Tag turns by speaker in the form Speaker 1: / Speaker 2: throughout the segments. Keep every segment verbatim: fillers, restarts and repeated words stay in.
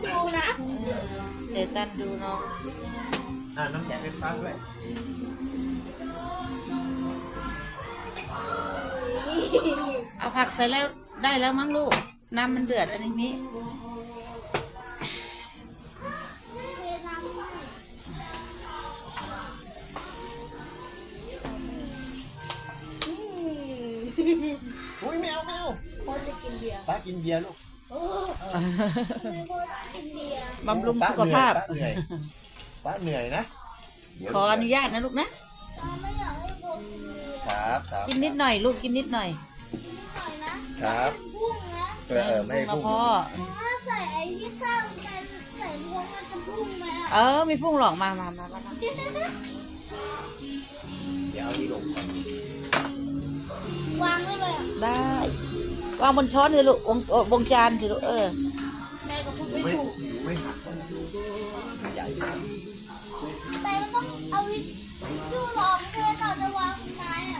Speaker 1: ดูนะ
Speaker 2: เดี๋ยวตันดูน้อง
Speaker 3: อ่าน้ำแข็งไฟฟ้าด้วย
Speaker 2: เอาผักใส่แล้วได้แล้วมั้งลูกน้ำมันเดือดอันนี้มิ
Speaker 3: อุ้ยแมวแมว
Speaker 1: คนจะกินเบียร์
Speaker 3: ป้ากินเบียร์ลูก
Speaker 1: โอ้ไม่คนกินเบียร์
Speaker 2: บำรุงสุขภาพ
Speaker 3: ป้าเหนื่อยป้าเหนื่อยนะ
Speaker 2: ขออนุญาตนะลูกนะ
Speaker 1: ไม่อยากให้คนกินเบียร์
Speaker 3: ครับครับ
Speaker 2: กินนิดหน่อยลูกกินนิดหน่อย
Speaker 1: หน่อยนะครับ พุ่งนะ
Speaker 3: เออเออไม่ให้
Speaker 2: มา
Speaker 3: พุ่ง
Speaker 2: พ่อ
Speaker 1: ถ้าใส่ไอ้ที่ข้าวไปใส่พวงมันจะพุ่งไหม
Speaker 2: เออมีพุ่งหลอกมามามามามา
Speaker 3: เดี๋ยวเอานี่ลงก่อน
Speaker 1: วางได้เลย
Speaker 2: ได้วางบนช้อนสิลูกวงวงจานสิลูกเออ
Speaker 1: แม่ก็พูดไม่
Speaker 3: ไม่
Speaker 1: ถูก
Speaker 3: ไม่หักใหญ่นะ
Speaker 1: แต่มันต้องเอาวิจูรองใช่ไหมก่อนจะวางไม้อ่ะ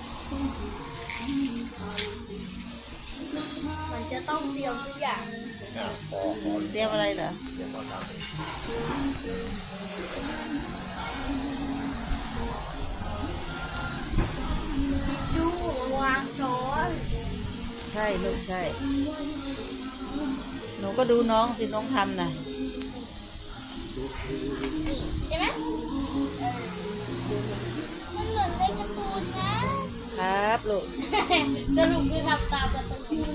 Speaker 1: มันจะต้องเตรียมทุกอย่าง
Speaker 3: อ่ะพอพอ
Speaker 2: เตรียมอะไรเหรอ
Speaker 3: เดี๋ยวพอทำเอง
Speaker 1: ชูวางช้อน
Speaker 2: ใช่ลูกใช่หนูก็ดูน้องสิน้องทำนะ
Speaker 1: นี่ใช่ไหมเออมันเหมือนในการ์ตูนนะครับ
Speaker 2: ลูก
Speaker 1: สรุปคือทำตามการ์ตูน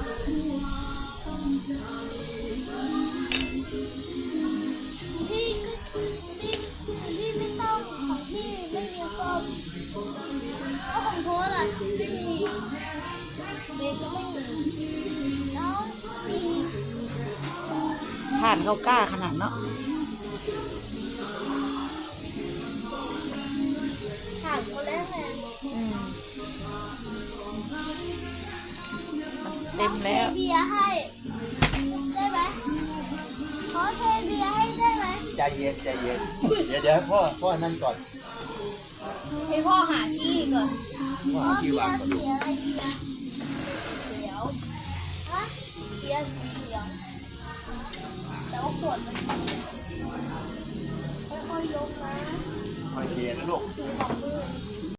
Speaker 1: ที่ที่ที่ไม่ต้องของที่ไม่มีส้มแล้วของโทษอ่ะไม่มีเบรกก็ไม่มีแล้วมี
Speaker 2: ผ่านเขากล้าขนาดเนาะ
Speaker 1: ถามคนแรกเลย
Speaker 2: อืมเต็มแล้ว
Speaker 1: เทเบียร์ให้ได้ไหมขอเทเบียร์ให้ได้ไหม
Speaker 3: ใจเย็นใจเย็นเดี๋ยวเดี๋ยวพ่อพ่อนั่นก่อน
Speaker 1: ให้พ่อหาที่ก่อน
Speaker 3: พ่อ
Speaker 1: อ๋อ
Speaker 3: หาที่
Speaker 1: เบียว
Speaker 3: าง
Speaker 1: ร์
Speaker 3: ก่อน
Speaker 1: เสียอะไรเบียร์เขียวฮะเบียร์สีเขียวแต่ว่าขวดมันค่อยๆยกนะ
Speaker 3: คอยเชียร์นะลูก
Speaker 1: ถือของมือ